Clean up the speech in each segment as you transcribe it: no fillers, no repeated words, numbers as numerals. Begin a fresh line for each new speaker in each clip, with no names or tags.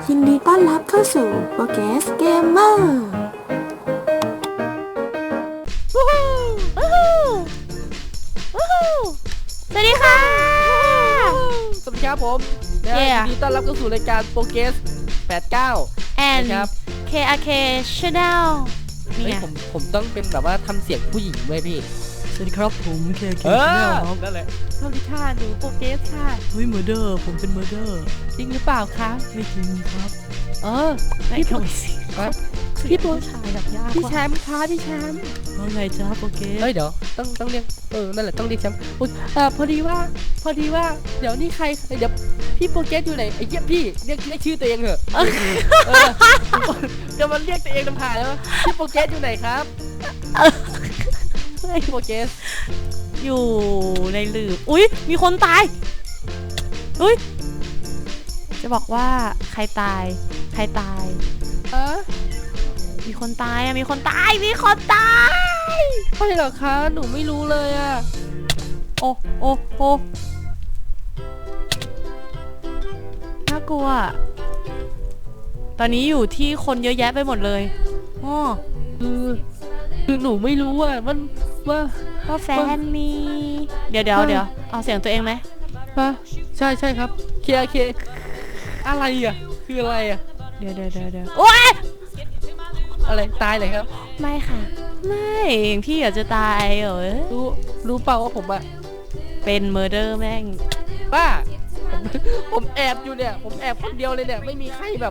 ยินดีต้อนรับเข้าสู่โปรเกสเกมเมอร์
สวัสดีค่ะ
สวัสดีครับผมยินดีต้อนรับเข้าสู่รายการโปรเกส89
and
นะครับ
KRK Channel
นี่ผมต้องเป็นแบบว่าทำเสียงผู้หญิงด้วยพี่
สวัสดีครับผม KRK
นั่นแหละ
สวัสดีค่ะหนูโปรเกสค่ะ
เฮ้ยเมอร์เดอร์ผมเป็นเมอร์เดอร์
จริงหรือเปล่าคะ
ไม่จริงครับ
ไม่เข้าไปสิพี่ตัวชายแบบยาก
พี่แชมป์คะพี่แชมป์
ว่าไงจ้าโปรเกส
เฮ้ยเดี๋ยวต้องเรียกนั่นแหละต้องเรียกแชมป์พอดีว่าเดี๋ยวนี่ใครเดี๋ยวพี่โปรเกสอยู่ไหนไอ้เหี้ยพี่เรียกชื่อตัวเองเหอะจะมาเรียกตัวเองทำผ่านแล้วพี่โปรเกสอยู่ไหนครับพี่โปรเกส
อยู่ในหลืบอุ๊ยมีคนตายอุ๊ยจะบอกว่าใครตายมีคนตายมีคนตาย
ใช่เหรอคะหนูไม่รู้เลยอะ
โอ้น่ากลัวตอนนี้อยู่ที่คนเยอะแยะไปหมดเลยอ๋อ
คือหนูไม่รู้อะ
ว่าแฟนมีเดี๋ยวเอาเสียงตัวเองไหม
ใช่ครับเคอะไรอะคืออะไรอะ
เดี๋ยวโอ๊ย
อะไรตายเลยครับ
ไม่ค่ะไม่พี่อยากจะตายเหรอ
รู้เปล่าว่าผมอะ
เป็นเมอร์เดอร์แม่ง
ป้าผมแอบอยู่เนี่ยผมแอบคนเดียวเลยเนี่ยไม่มีใครแบบ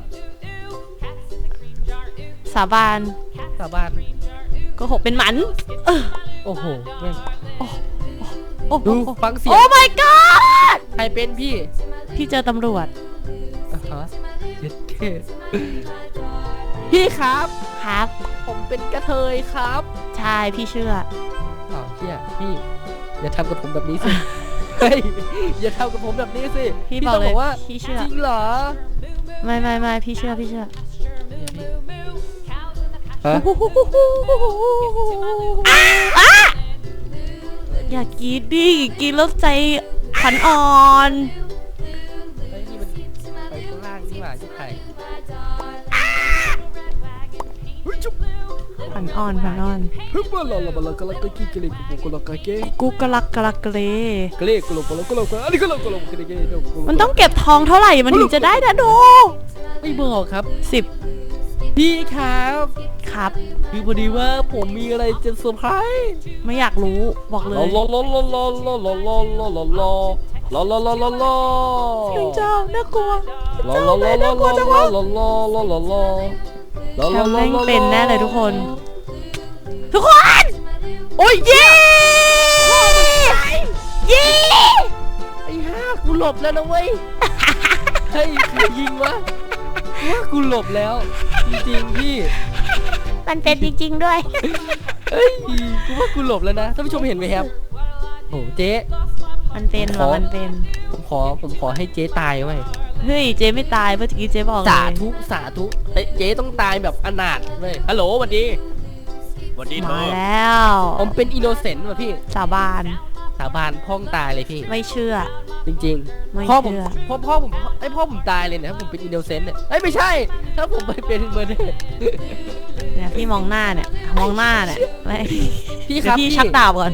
สาบานก็หกเป็นหมัน
โอ้โหแม่ง
ดู
ฟังเสียง
โอ้ my god
ใครเป็นพี่
เจอตำรวจ
พี่ครับผมเป็นกระเทยครับ
ใช่พี่เชื่อ
พี่อย่าทำกับผมแบบนี้สิเฮ้ยอย่าทำกับผมแบบนี้สิ
พี่บอกว่า
พี่เชื่อจริงเหรอ
ไม่พี่เชื่ออย่ากรีดดิกรีดแล้วใจขันอ่อน
นี่มันไปข้างล่างนี่หว่าที่ไข่
ขันอ่อนกูกะลักเกรมันต้องเก็บทองเท่าไหร่มันถึงจะได้นะดู
ไม่บอกครับ
10
พี่ครับคือพอดีว่าผมมีอะไรจะเซอร์ไพรส์
ไม่อยากรู้บอกเลยเจ้าน่ากลัวจังวะแชมป์แม่งเป็นแน่เลยทุกคนโอ้ยเย้
ไอ้ห่ากูหลบแล้วนะเว้ยเฮ้ยใครยิงวะว่ากูหลบแล้วจริงๆพี่
มันเป็นจริงๆด้วย
เฮ้ยกูว่ากูหลบแล้วนะท่านผู้ชมเห็นไหมครับโอ้เจ๊
มันเป็น
ผมขอให้เจ๊ตายไว้
เฮ้ยเจ๊ไม่ตายเมื่อกี้เจ๊บอก
สาธุเจ๊ต้องตายแบบอนาถเว้ยฮัลโหลสวัสดีเธอ
มาแล้ว
ผมเป็นอินโนเซนต์ว่ะพี่
สาบาน
พ่องตายเลยพี่
ไม่เชื่อ
จริงๆพ่อผมตายเลยเนี่ยถ้าผมเป็นอินโนเซนต์เนี่ยไม่ใช่ถ้าผมไปเป็นเมอร์เดอร์
เนี่ยพี่มองหน้าเนี่ย
พี่ครับ
พี่ชักดาบก่อน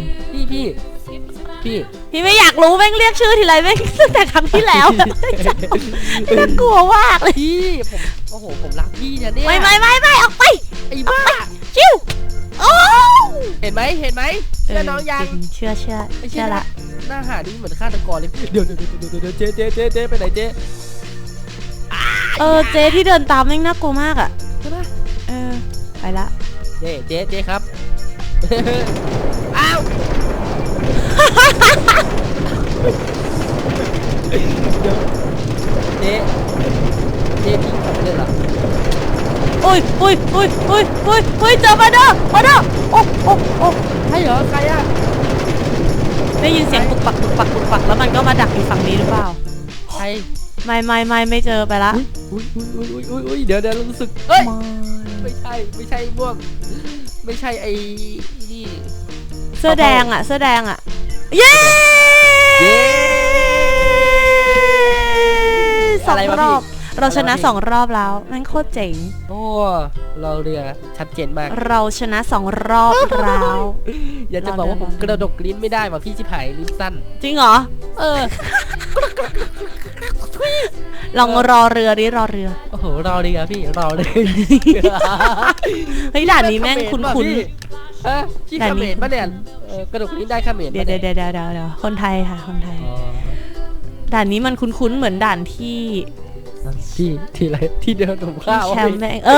พี่
ไม่อยากรู้แม่งเรียกชื่อทีไรแม่งตั้งแต่ครั้งที่แล้วน่ากลัวมากเลย
พี่ผมรักพี่เนี่ย
ไม่ออกไป
ไอ้บ้า
ชิวโอ้
เห็นไหมเชื่อน้องยัง
เชื่อละ
หน้าหานี่เหมือนฆาตกรเลยเดี๋ยวเจ๊ไปไหนเจ๊
เจ๊ที่เดินตามแม่งน่ากลัวมากอ่ะ
ใช่ปะ
ไปละ
เจ๊ครับอ้าวเจ๊พี่ขับเลยเหรอ
โอ้ยเจอมาเด้อโอ้
ใช่เหรอใครอะ
ได้ยินเสียงปุกปักแล้วมันก็มาดักอยู่ฝั่งนี้หรือเปล่า
ใคร
ไม่เจอไปละ
อุ้ยเดี๋ยวรู้สึกไม่ใช่ม่วงไม่ใช่ไอ้นี่
เสื้อแดงอ่ะเย้2 รอบเราชนะ2 รอบแล้วนั่นโคตรเจ๋ง
โอ้เราเรือชัดเจนมาก
เราชนะ2 รอบแล้ว
อยากจะบอกว่าผมกระดกลิ้นไม่ได้ว่ะพี่ชิบหายลิ้นสั้น
จริงเหรอ
เออ
ลองรอเรือดิรอเรือ
โอ้โหรอเรือพี่รอเลย
เฮ้ยด่านนี้แม่งคุ้น
ๆพี่เขมรปะเนี่ยกระดกลิ้นได้เขมร
ๆเดี๋ยวคนไทยค่ะคนไทย ด่านนี้มันคุ้นๆเหมือนด่านที่
ที่อะไรที่เดินถุงข้าว
แชมป์แม่ง
ที่เดิ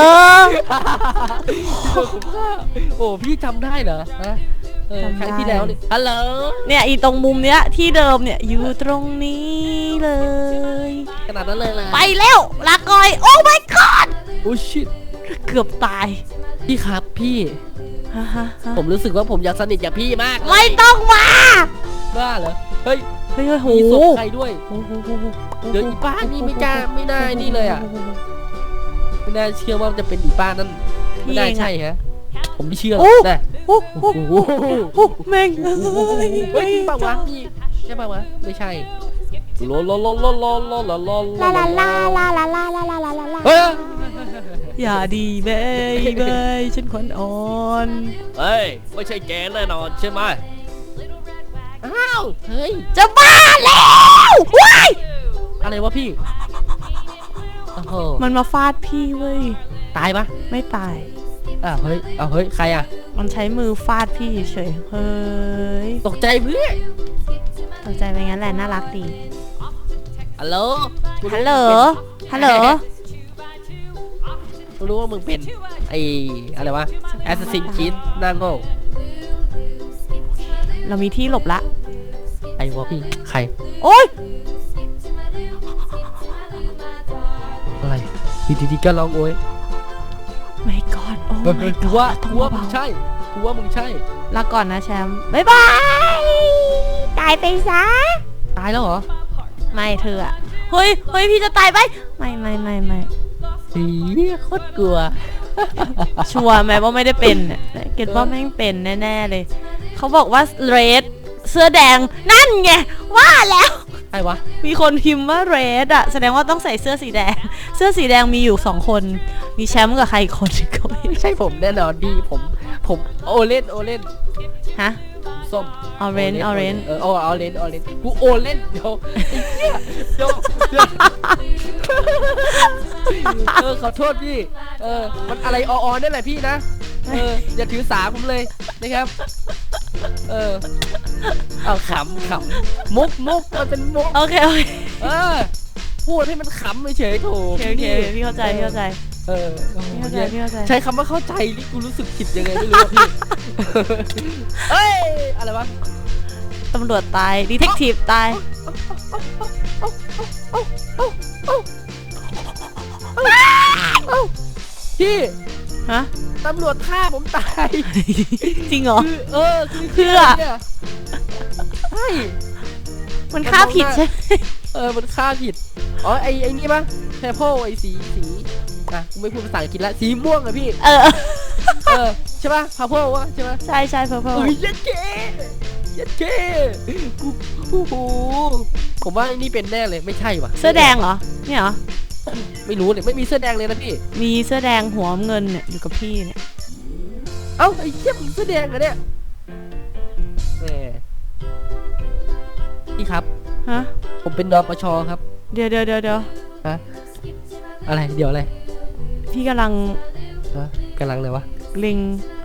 นถุงข้าวโอ้พี่จำได้เหรอฮะครั้งที่แล้วนี่ฮัลโหล
เนี่ยอีตรงมุมเนี้ยที่เดิมเนี่ยอยู่ตรงนี้เลย
ขนาดนั้นเลยนะ
ไปแล้วลากอยโอ้ my god
โอ้ชิต
เกือบตาย
พี่ครับพี่
ฮะ
ผมรู้สึกว่าผมอยากสนิทกับพี่มากเลย
ไม่ต้องมา
บ้าเหรอเฮ้ย
เฮ้ยโห
มีศพใครด้วย
โอ้โห
เดี๋ยวอีป้านี่ไม่กล้าไม่น่านี่เลยอ่ะไม่น่าเชื่อว่าจะเป็นอีป้านั่นไม่น่าใช่ฮะผมไม่เชื่อแต่
โอ้โหแม่ง
เฮ้ยจริงเปล่าวะพี่ใช่เปล่าวะไม่ใช่ลาลาลาลาลาลาลาลา
ลาลาลาลาลาลาลาลาลาลาลา
เฮ้ย
อย่าดีเบยฉันขวัญอ่อน
เฮ้ยไม่ใช่แกแน่นอนใช่ไหมอ้าวเฮ้ย
จะบ้าแล้วว้าย
อะไรวะพี่โอ้โห
มันมาฟาดพี่เว้ย
ตายปะ
ไม่ตาย
เฮ้ยใครอ่ะ
มันใช้มือฟาดพี่เฉยเฮ้ย
ตกใจเพื่อน
ตกใจไปงั้นแหละน่ารักดี
ฮัลโหล
ฮัลโหลฮัลโหล
รู้ว่ามึงเป็นไอ้อะไรวะ Assassin's Creed นั่งโง่
เรามีที่หลบละ
ไอ้วะพี่ใคร
โอ๊ย
อะไรดีๆก็ร้องโอ้ย
ไม่กอดโอ้
เฮ้ย
ไม่
กู
กอ
ว่า
ดต้อง
มึง
เบา
ใช่กูว่ามึงใช่
ลาก่อนนะแชมป์บ๊ายบาย ตายไปซะ
ตายแล้วเหรอ
ไม่เธออะเฮ้ยพี่จะตายไปไม่
สีโคตรกลัว
ชัวร์ไหมว่าไม่ได้เป็นเนี่ยเกดว่าแม่งเป็นแน่ๆเลย เขาบอกว่าเรดเสื้อแดงนั่นไงว่าแล้ว
ใช่วะ
มีคนพิมพ์ว่าเรดอะแสดงว่าต้องใส่เสื้อสีแดง เสื้อสีแดงมีอยู่2 คนมีแชมป์กับใครอีกคนก็ไม่
ไม่ใช่ผมแน่นอนดีผมโอเล่น
ฮะ
ส้ม
orange
โอเล่นกูโอเล่นเดี๋ยวไอ้เหี้ยเดี๋ยวขอโทษพี่มันอะไรอนั่นแหละพี่นะอย่าถือสาผมเลยนะครับเอาขำมุกมันเป็นมุก
โอเค
พูดให้มันขำเฉยๆโถ
โอเคพี่เข้าใจพี่เข้าใจ
ใช้คำว่าเข้าใจนี่กูรู้สึกผิดยังไงไม่รู้อะพี่เอ้ยอะไรวะ
ตำรวจตายดีเทคทีฟตาย
พี่
ฮะ
ตำรวจฆ่าผมตาย
จริงเหรอ
คือ
เพื่อ
เนี่ยใช่
มันฆ่าผิดใช่
มันฆ่าผิดอ๋อไอ้นี่ปะแพโพไอ้สีกูไม่พูดภาษาอังกฤษละสีม่วงอะพี่ใช่ปะพาโพวะใช่ปะ
ใช่เพอเพอ
ยัดเก้กูโอ้โหผมว่าไอ้นี่เป็นแน่เลยไม่ใช่วะ
เสื้อแดงเหรอเนี่ยเหรอ
ไม่รู้เนี่ยไม่มีเสื้อแดงเลยนะพี่
มีเสื้อแดงหัวเงินเนี่ยอยู่กับพี่เนี่ย
เอ้าไอ้เหี้ยมึงเสื้อแดงเหรอเนี่ยพี่ครับ
ฮะ
ผมเป็นดปชครับ
เดี๋ยว
ฮะอะไรเดี๋ยวอะไร
พี่กำลัง
กำลังเลยวะ
เล็ง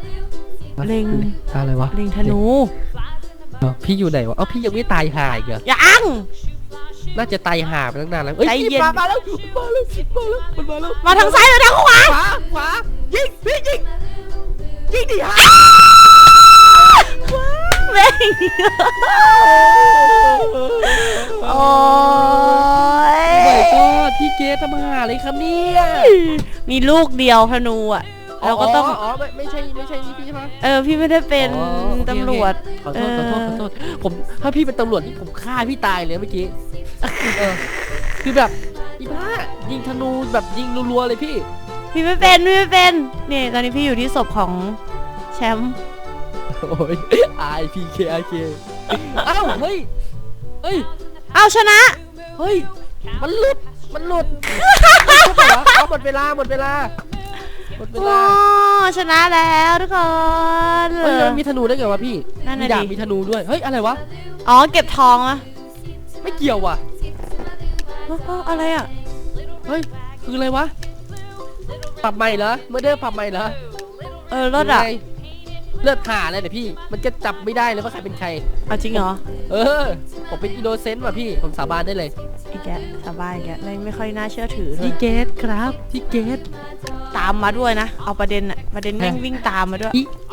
อะไรวะ
เล็งธนู
พี่อยู่ไหนวะเอ้าพี่ยังไม่ตายห่าอีกเหรอ
ยัง
น่าจะตายห่าไปตั้งนานแล้ว
ใจเย็น
มาแล้วมันมาแล้ว
มาทางซ้ายหรือทางขวา
ขวายิงพี่ยิงดิฮะ
แม่งโอ้ย
ไม่ก็พี่เกสทำหาอะไรครับเนี่ย
มีลูกเดียวธนูอ่ะเราก็ต้อง
ไม่ใช่นี่พี่ใช่ไหม
พี่ไม่ได้เป็นตำรวจ
ขอโทษผมถ้าพี่เป็นตำรวจนี่ผมฆ่าพี่ตายเลยเมื่อกี้คือแบบอีบ้ายิงธนูแบบยิงรัวๆเลยพี่
พี่ไม่เป็นนี่ตอนนี้พี่อยู่ที่ศพของแชมป์
โอ้ย RIPK อ้าวเฮ้ย
เอาชนะ
เฮ้ยมันหลุดมันหลุดไม่ใช่เหรอเอาหมดเวลาหมดเวลา
โอ้ชนะแล้วทุกคน
เฮ้ยมันมีธนูได้ไงวะพี่
นั่น
มี
น่ะ
ดาบ
ดิ
มีธนูด้วยเฮ้ยอะไรวะ
อ๋อเก็บทองอะ
ไม่เกี่ยวว่ะ
อะไรอะ
เฮ้ยคืออะไรวะปรับใหม่เหรอเมื่อเดิมปรับใหม่เหรอ
รถอะ
ยังไงเลือดหาเลยเนี่ยพี่มันจะจับไม่ได้เลยว่าใครเป็นใคร
เอาจริงเหรอ
ผมเป็นอินโนเซนต์ว่ะพี่ผมสาบานได้เลย
อีกแกสบายแกไม่ค่อยน่าเชื่อถือเลย
พี่เกตครับพี่เกต
ตามมาด้วยนะเอาประเด็นแม่งวิ่งตามมาด้วย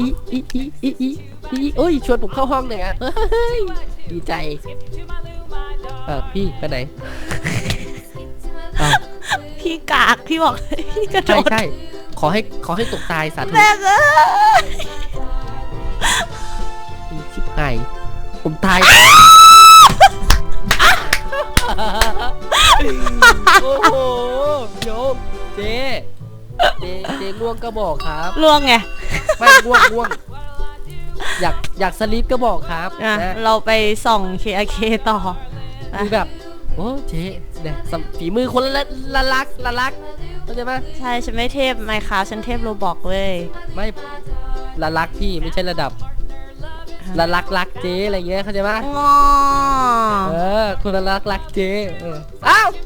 โอ้ยชวนผมเข้าห้องหน่อยอ่ะเฮ้ยดีใจพี่ไปไหนอ้าว
พี่กากพี่บอก พี่กระโด
ใช่
ด
ใช่ขอให้ตกตายสาธุ
แม่งเอ้ย
ชิบหายผมตายโอ้โหโยมเจง่วงก็บอกครับ
ล่วงไง
ไม่ง่วงอยากสลิปก็บอกครับ
อ่ะ
นะ
เราไปส่อง KRK ต่อ
คือแบบโอ้เจ๊เนี่ยฝีมือคนละลักเข้าใจไหม
ใช่ฉันไม่เทพไมค์คราฟฉันเทพโรบอกเว้ย
ไม่ละลักพี่ไม่ใช่ระดับละลักเจ๊อะไรเงี้ยเข้าใจไหม
งอ
คนละลักเจ๊อ้าว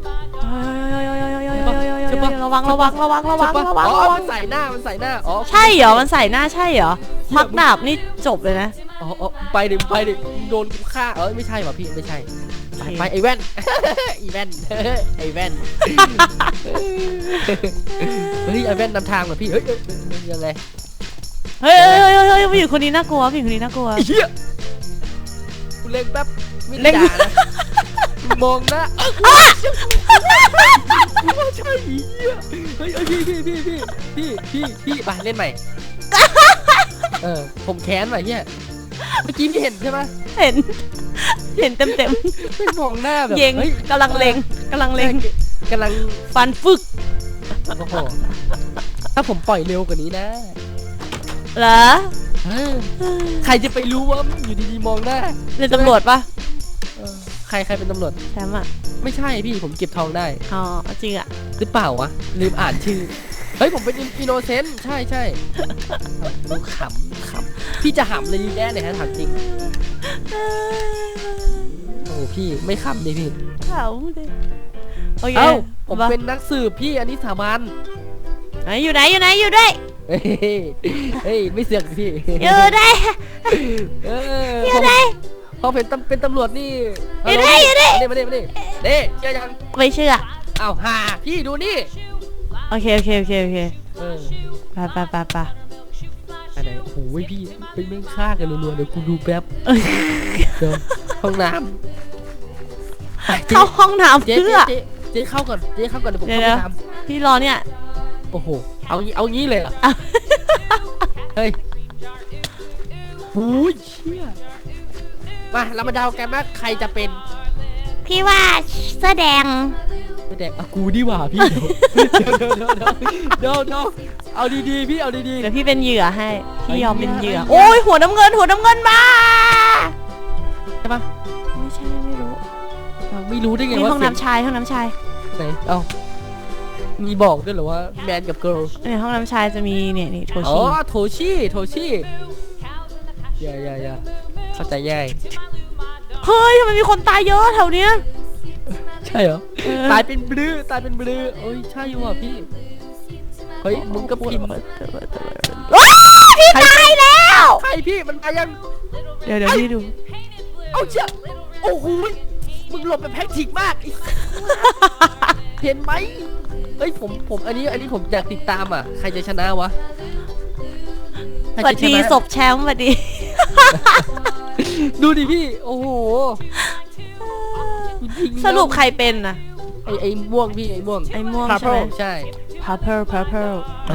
ใช่ปะ
ระวัง
อ๋อมันใส่หน้าอ๋อ
ใช่เหรอมันใส่หน้าใช่เหรอควักดาบนี่จบเลยนะ
อ๋อไปดิโดนกูฆ่าไม่ใช่ว่ะพี่ไม่ใช่ไปไอแว่น ไอแว่นไอแว่นเฮ้ยไอแว่นนำทางว่ะพี่เฮ้ยยังไง
เฮ้ยผู้หญิงคนนี้น่ากลัวผู้หญิงคนนี้น่ากลัว
เฮียกูเล็งแป๊บไม่
เล็
ได้
ง
ด่านะมองนะว่าใช่เฮียเฮ้ยพี่ไปเล่นใหม่ผมแค้นว่ะเฮียเมื่อกี้พี่เห็นใช่ไหม
เห็นเต็ม
ไม่มองหน้าแบบ
เย็งกำลังเล็ง
กำลัง
ฟันฟึก
โอ้โหถ้าผมปล่อยเร็วกว่านี้นะ
เหรอ
ใครจะไปรู้ว่าอยู่ดีๆมองหน้า
เป็นตำรวจปะ
ใครเป็นตำรวจ
แชมป์อะ
ไม่ใช่พี่ผมเก็บทองได้
อ๋อจริงอะ
หรือเปล่าวะลืมอ่านชื่อเฮ้ยผมเป็นอินโนเซนต์ใช่ดูขำพี่จะหำเลยแน่เลยฮะถามจริงโอ้พี่ไม่ขำดิพี่
เขาเลยโอเค
เอ้าผมเป็นนักสืบพี่อันนี้สาบาน
อยู่ไหนอยู่ด้วย
เฮ้ยไม่เสือกพี่
อยู่ได้ อยู่ได้
พอเป็นตำรวจนี่
อยู่ได้
มาดิเด้เชื่อยัง
ไม่เชื่อ
อ้าวหาพี่ดูนี่
โอเคไป
อะไรโอ้โหพี่เป็นแม่งฆ่ากันรัวๆเดี๋ยวกูดูแป๊บเดี๋ยวห้องน้ำ
เข้าห้องน้ำ
เจ๊
เพื่อ
เจ๊เข้าก่อนเดี๋ยวผมเข้าไปทำ
พี่รอเนี่ย
โอ้โหเอางี้เลยเหรอเฮ้ยโอ้ยเชี่ยมาเรามาเดากันว่าใครจะเป็น
พี่ว่าเสื้อแดง
ไม่แดกกูดีกว่าพี่เดี๋ยวเอาดีๆพี่เอาดี
เดี๋ยวพี่เป็นเหยื่อให้พี่ยอมเป็นเหยื่อ
ไอ้เหี้ย
โอ้ยหัวน้ำเงินมา
ๆใช่ปะ
ไม่ใช่ไม่รู้
ไม่รู้ได้ไง
นี่
ว่า
ห้องน้ำชาย
ไหนเอ้ามีบอกด้วยเหรอว่าแมนกับเกิร์ล
ในห้องน้ำชายจะมีนี่โท
อ๋อ
ชิ
โทชิอย่าเข้าใจง่าย
เฮ้ยทำไมมีคนตายเยอะแถวเนี้ย
ใช่เหรอตายเป็นบลือโอ้ยใช่อยู่อ่ะพี่เฮ้ยมึงก็พิมพ์
พี่ตายแล้ว
ใครพี่มันมายัง
เดี๋ยวพี่ดู
เอาเชี่ยโอ้โหมึงหลบแบบแพ็กทิกมากเห็นไหมเฮ้ยผมอันนี้ผมอยากติดตามอ่ะใครจะชนะวะ
สวัสดีศพแชมป์สวัสดี
ดูดิพี่โอ้โห
สรุปใครเป็นน่ะ
ไอ้ม่วงพี่ไอ้ม่วง
ใช่ไหม
ใช่
purple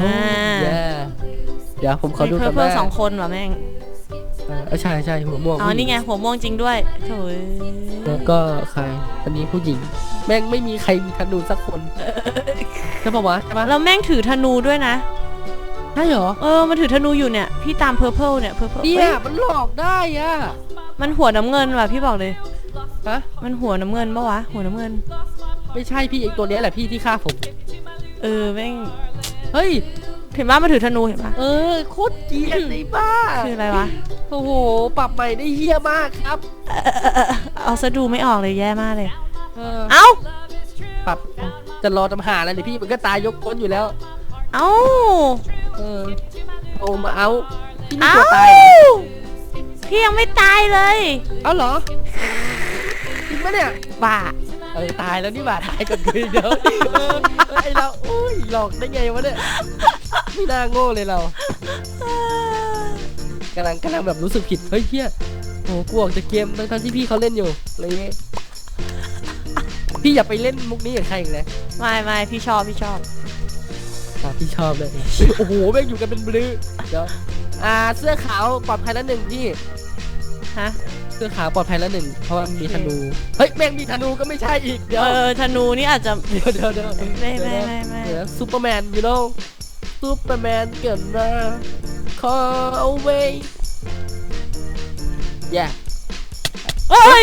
เดี๋ยวผมขอดูกัน
purple 2 คนว่ะแม่ง
ใช่หัวม่วง
อ๋อนี่ไงหัวม่วงจริงด้วยโถ่
แล้วก็ใครอันนี้ผู้หญิงแม่งไม่มีใครมีธนูสักคนใช่ปะวะใช่ปะ
แล้วแม่งถือธนูด้วยนะ
ใช่เหรอ
มันถือธนูอยู่เนี่ยพี่ตาม purple เนี่ย purple
เนี่ยมันหลอกได้อ่ะ
มันหัวน้ำเงินว่ะพี่บอกเลย
ฮะ
มันหัวน้ำเงินปะวะหัวน้ำเงิน
ไม่ใช่พี่ไอตัวเนี้ยแหละพี่ที่ฆ่าผม
แม่ง
เฮ้ย
เห็นว่ามันถือธนูเห็นปะ
โคตรเกลียดเลยบ้า
คืออะไรวะ
โอ้โหปรับใหม่ได้เฮี้ยมากครับ
เอาซะดูไม่ออกเลยแย่มากเลย
เออ
เอ้า
ปรับจะรอทำหาอะไรเนี่ยพี่มันก็ตายยกก้นอยู่แล้ว
เอ้า
เออโอ้มาเอาพี่ไม่
เอ้าก
ลัวตายเหรอ
พี่ยังไม่ตายเลย
เอาเหรอจริงปะเนี่ย
บ้า
ตายแล้วนี่หว่าตายก่อนคืนเดี๋ยวไอเราอุ้ยหลอกได้ไงวะเนี่ยไม่น่าโง่เลยเรากำลังแบบรู้สึกผิดเฮ้ยเฮียโหกูออกจากเกมทั้งที่พี่เขาเล่นอยู่อะไรเงี้ยพี่อย่าไปเล่นมุกนี้กับใครอีกเลย
ไม่พี่ชอบ
พี่ชอบเลยโอ้โหแม่งอยู่กันเป็นบลือเดี๋ยวเสื้อขาวปลอดภัยแล้วหนึ่งพี่
ฮะ
เสื้อขาวปลอดภัยแล้วหนึ่งเพราะว่ามีธนูเฮ้ยแม่งมีธนูก็ไม่ใช่อีกเดี๋ยว
ธนูนี่อาจจะ
เดี๋ยว
ไม่
เดี๋ยวซูเปอร์แมนยูโน่ซูเปอร์แมนเกิดมา call away แย่
เอ้ย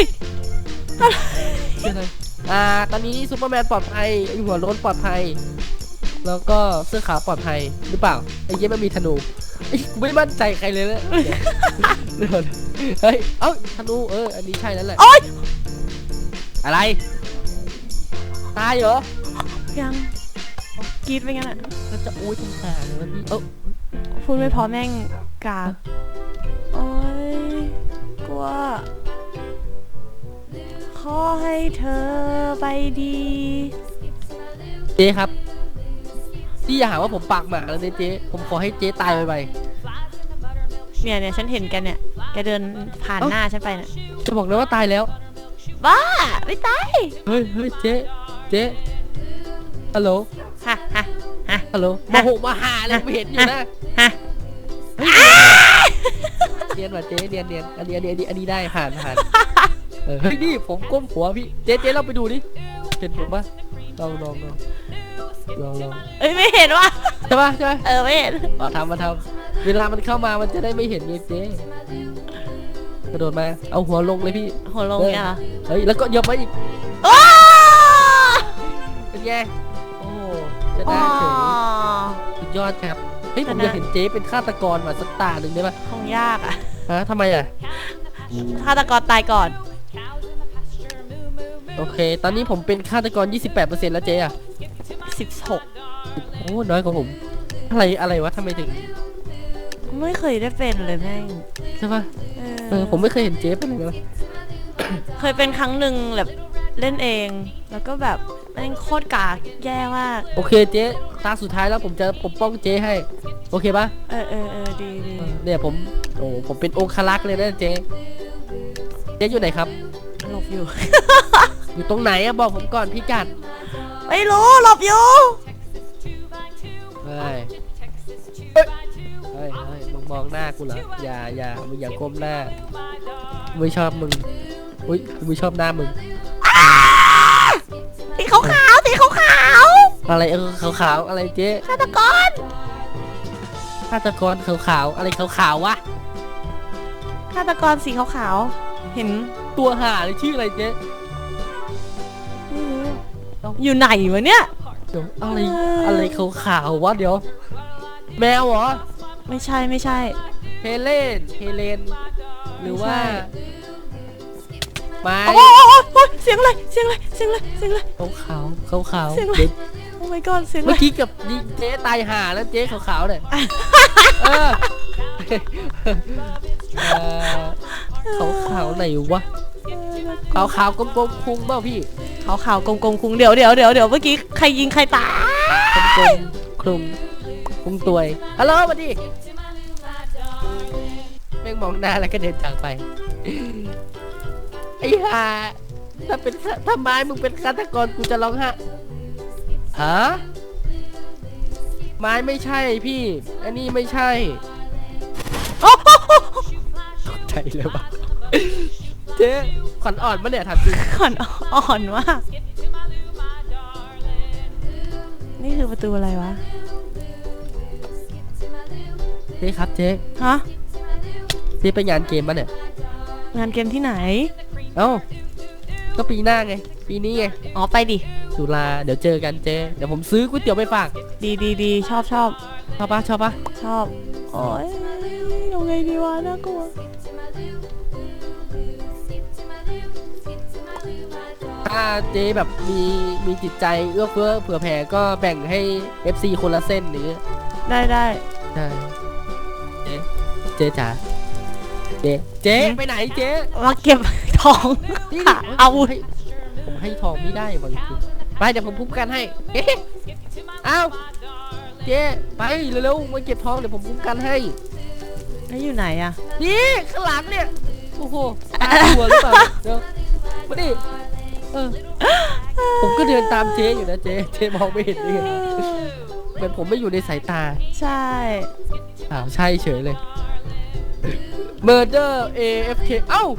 ตอนนี้ซูเปอร์แมนปลอดภัยไอหัวโล้นปลอดภัยแล้วก็เสื้อขาวปลอดภัยหรือเปล่าไอ้เย้มันมีธนูไอ้กูไม่มั่นใจใครเลยเนี่ยเดี๋ยวเฮ้ยเอ้าธนูอันนี้ใช่แล้วแหละ
โอ๊ย
อะไรตายเหรอ
ยังกรีดไปงั้นอ่ะ
ก็จะอุ้ยตรงขาเลยวะพี่
พูดไม่พอแม่งกาโอ๊ยกลัวขอให้เธอไปดี
เจ๊ครับพี่อย่าหาว่าผมปากหมาแล้วเนี่ยเจ๊ผมขอให้เจ๊ตายไป
เนี่ยฉันเห็นแกเนี่ยแกเดินผ่านหน้าฉันไปเนี่ย
จะบอกเลยว่าตายแล้ว
บ้าไม่ตาย
เฮ้ยเจ๊ฮัลโหล
ฮะ
ฮัลโหลมาหาเลยเห็นอยู่นะ
ฮะ
เรียนว่ะเจ๊เรียนอันนี้ได้ผ่านเฮ้ยนี่ผมก้มหัวพี่เจ๊เราไปดูดิเห็นผมปะลอง
เอ้ยไม่เห็นว่ะ
ใช่ปะ
ไม่เห็น
ทำเวลามันเข้ามามันจะได้ไม่เห็นเจ๊กระโดดมาเอาหัวลงเลยพี่
หัวลงเนี่ยเหรอ
เฮ้ยแล้วก็ยกมาอีก
ว้า
เป็นไงโอ้จะได้เฉยสุดยอดครับเฮ้ยผมอยากเห็นเจ๊เป็นฆาตกรมาสักตาหนึ่งได้ไหม
คงยากอ่ะ
ทำไมอ่ะ
ฆาตกรตายก่อน
โอเคตอนนี้ผมเป็นฆาตกร 28% แล้วเจ๊อ่ะ
16
โอ้น้อยกว่าผมอะไรวะทำไมถึง
ไม่เคยได้เป็นเลยแม่ง
ใช่ปะผมไม่เคยเห็นเจ๊เป็นเลย
เคยเป็นครั้งหนึ่งแบบเล่นเองแล้วก็แบบแม่งโคตรกากแย่มาก
โอเคเจ๊ตาสุดท้ายแล้วผมจะปกป้องเจ๊ให้โอเคปะ
ดี
เนี่ยผมเป็นองครักษ์เลยนะเจ๊อยู่ไหนครับ
หลบอยู่
อยู่ตรงไหนอะบอกผมก่อนพี่กัด
ไม่รู้หลบอยู่
เฮ้ยมึงมองหน้ากูเหรออย่ามึงอย่าก้มหน้าไม่ชอบมึงอุ้ยไม่ชอบหน้ามึง
สีขาว
อะไรขาวอะไรเจ๊
ฆาตกร
ขาวอะไรขาววะ
ฆาตกรสีขาวเห็น
ตัวห่าเลยชื่ออะไรเจ๊
อยู่ไหนวะเนี่ย
เดี๋ยวอะไรขาววะเดี๋ยวแมวเหรอ
ไม่ใช่
เฮเลนหรือว่าไม้
โอ้เสียงอะไร
ขาว
เสียงอะไรโอ้ my god เสียงอะไร
เมื่อกี้กับเจ๊ตายห่าแล้วเจ๊ขาวเนี่ยขาวไหนวะขาวกลมๆคุ้งเปล่าพี่
ขาวกลมๆคุ้งเดี๋ยวเมื่อกี้ใครยิงใครตาย
กลมคุ้งตัวยฮัลโหลมาดิแม่งมองหน้าแล้วก็เดินจากไปไอ้ห่าถ้าไม้มึงเป็นฆาตกรกูจะร้องไห้ฮะไม้ไม่ใช่พี่อันนี้ไม่ใช่ใจเลยวะเจ๊ขวัญอ่อนปะเนี่ยถามจริง
ขวัญอ่อนมากนี่คือประตูอะไรวะ
เจ๊ครับเจ๊
ฮะ
เจ๊ไปงานเกมปะเนี่ย
งานเกมที่ไหน
เอ้าก็ปีหน้าไงปีนี้ไง
อ๋อไปดิ
สุราเดี๋ยวเจอกันเจ๊เดี๋ยวผมซื้อก๋วยเตี๋ยวไปฝาก
ดีชอบ
ชอบปะ
ชอบ โอ้ยยังไงดีวะน่ากลัว
ถ้าเจ๊แบบมีจิตใจเอื้อเฟื้อเผื่อแผ่ก็แบ่งให้ FC คนละเส้นหรือ
ได้
ได้เจ๊จ๋าเจ๊ไปไหนเจ๊
มาเก็บทอง
นี่
ค่ะเอา
ผมให้ทองไม่ได้บางทีไปเดี๋ยวผมพุ่มกันให้อ้าวเจ๊ไปเร็วๆมาเก็บทองเดี๋ยวผมพุ่มกันให้
แล้วอยู่ไหนอะ
นี่ข้างหลังเนี่ยโอ้โหตาหัวหรือเปล่าเดี๋ยวมาดิผมก็เดินตามเจ๊อยู่นะเจ๊มองไม่เห็นนี่เหมือนผมไม่อยู่ในสายตา
ใช่
อ้าวใช่เฉยเลย Murder AFK เอ้า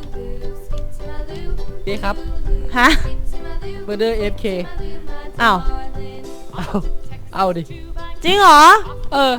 เจ๊ครับ
ฮะ
Murder AFK
อ้าว
เอาดิ
จริงเหรอ
เออ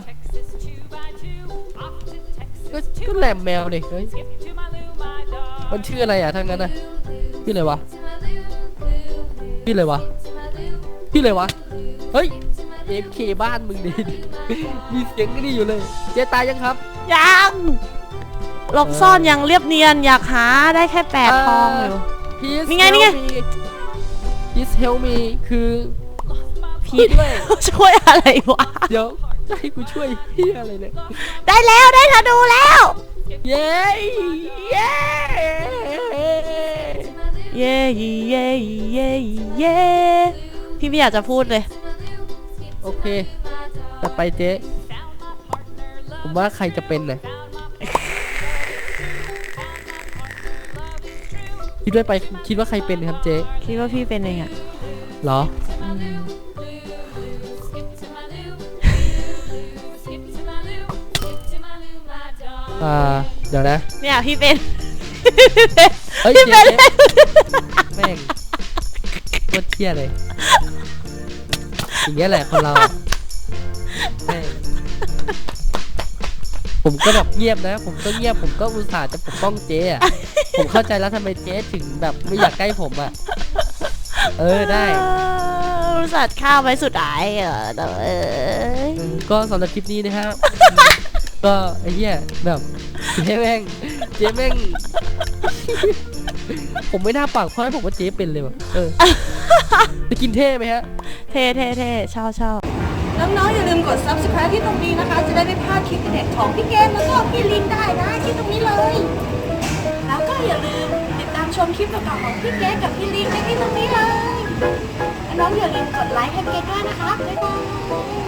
ก็แหลมแมวดิเฮ้ยมันชื่ออะไรอ่ะทั้งนั้นน่ะชื่ออะไรวะเฮ้ย AFK บ้านมึงดิ มีเสียงนี่อยู่เลยเจ๊ตายยังครับ
ยังหลบซ่อนยังเรียบเนียนอยากหาได้แค่8 ทองอยู่
Please
นี่ไง
help me Please help me คือ
พี่ช่วยอะไรวะ
เดี๋ยวจะให้กูช่วยเฮียอะไรเนี่ย
ได้แล้วได้ธนูแล้ว
เย้เย้
เย่พี่ไม่อยากจะพูดเลย
โอเคต่อไปเจ๊ผมว่าใครจะเป็นน่ะคิดว่าใครเป็นครับเจ๊
คิดว่าพี่เป็นเองอะ
เหรอ เดี๋ยวนะ
เนี่ยพี่เป็น
เฮ้ย
พี่
เจ๊
เป็น
แม่งโคตรเที่ยเลยอย่างเงี้ยแหละคนเราอะแม่งผมก็แบบเงียบนะ ผมก็เงียบผมก็อุตส่าห์จะปกป้องเจ๊อะผมเข้าใจแล้วทำไมเจ๊ถึงแบบไม่อยากใกล้ผมอะได้
บริษัทข้าวไว้สุดท้ายแต่
ก็สำหรับคลิปนี้นะครับ ก็ไอ้เหี้ยแบบเจ๊แม่ง ผมไม่น่าปากเพราะให้ผมว่าเจ๊เป็นเลยว่ะจะกินเท่ไหมฮะ
เท่ชอบ
น้องๆอย่าลืมกด subscribe ที่ตรงนี้นะคะ จะได้ไม่พลาดคลิปเด็ดของพี่เกมแล้วก็พี่ลินได้นะที่ตรงนี้เลย แล้วก็อย่าลืมติดตามชมคลิปเก่าๆของพี่เกมกับพี่ลินได้ที่ตรงนี้เลยและน้องอย่าลืมกดไลค์ให้เกมด้วยนะคะบ๊ายบาย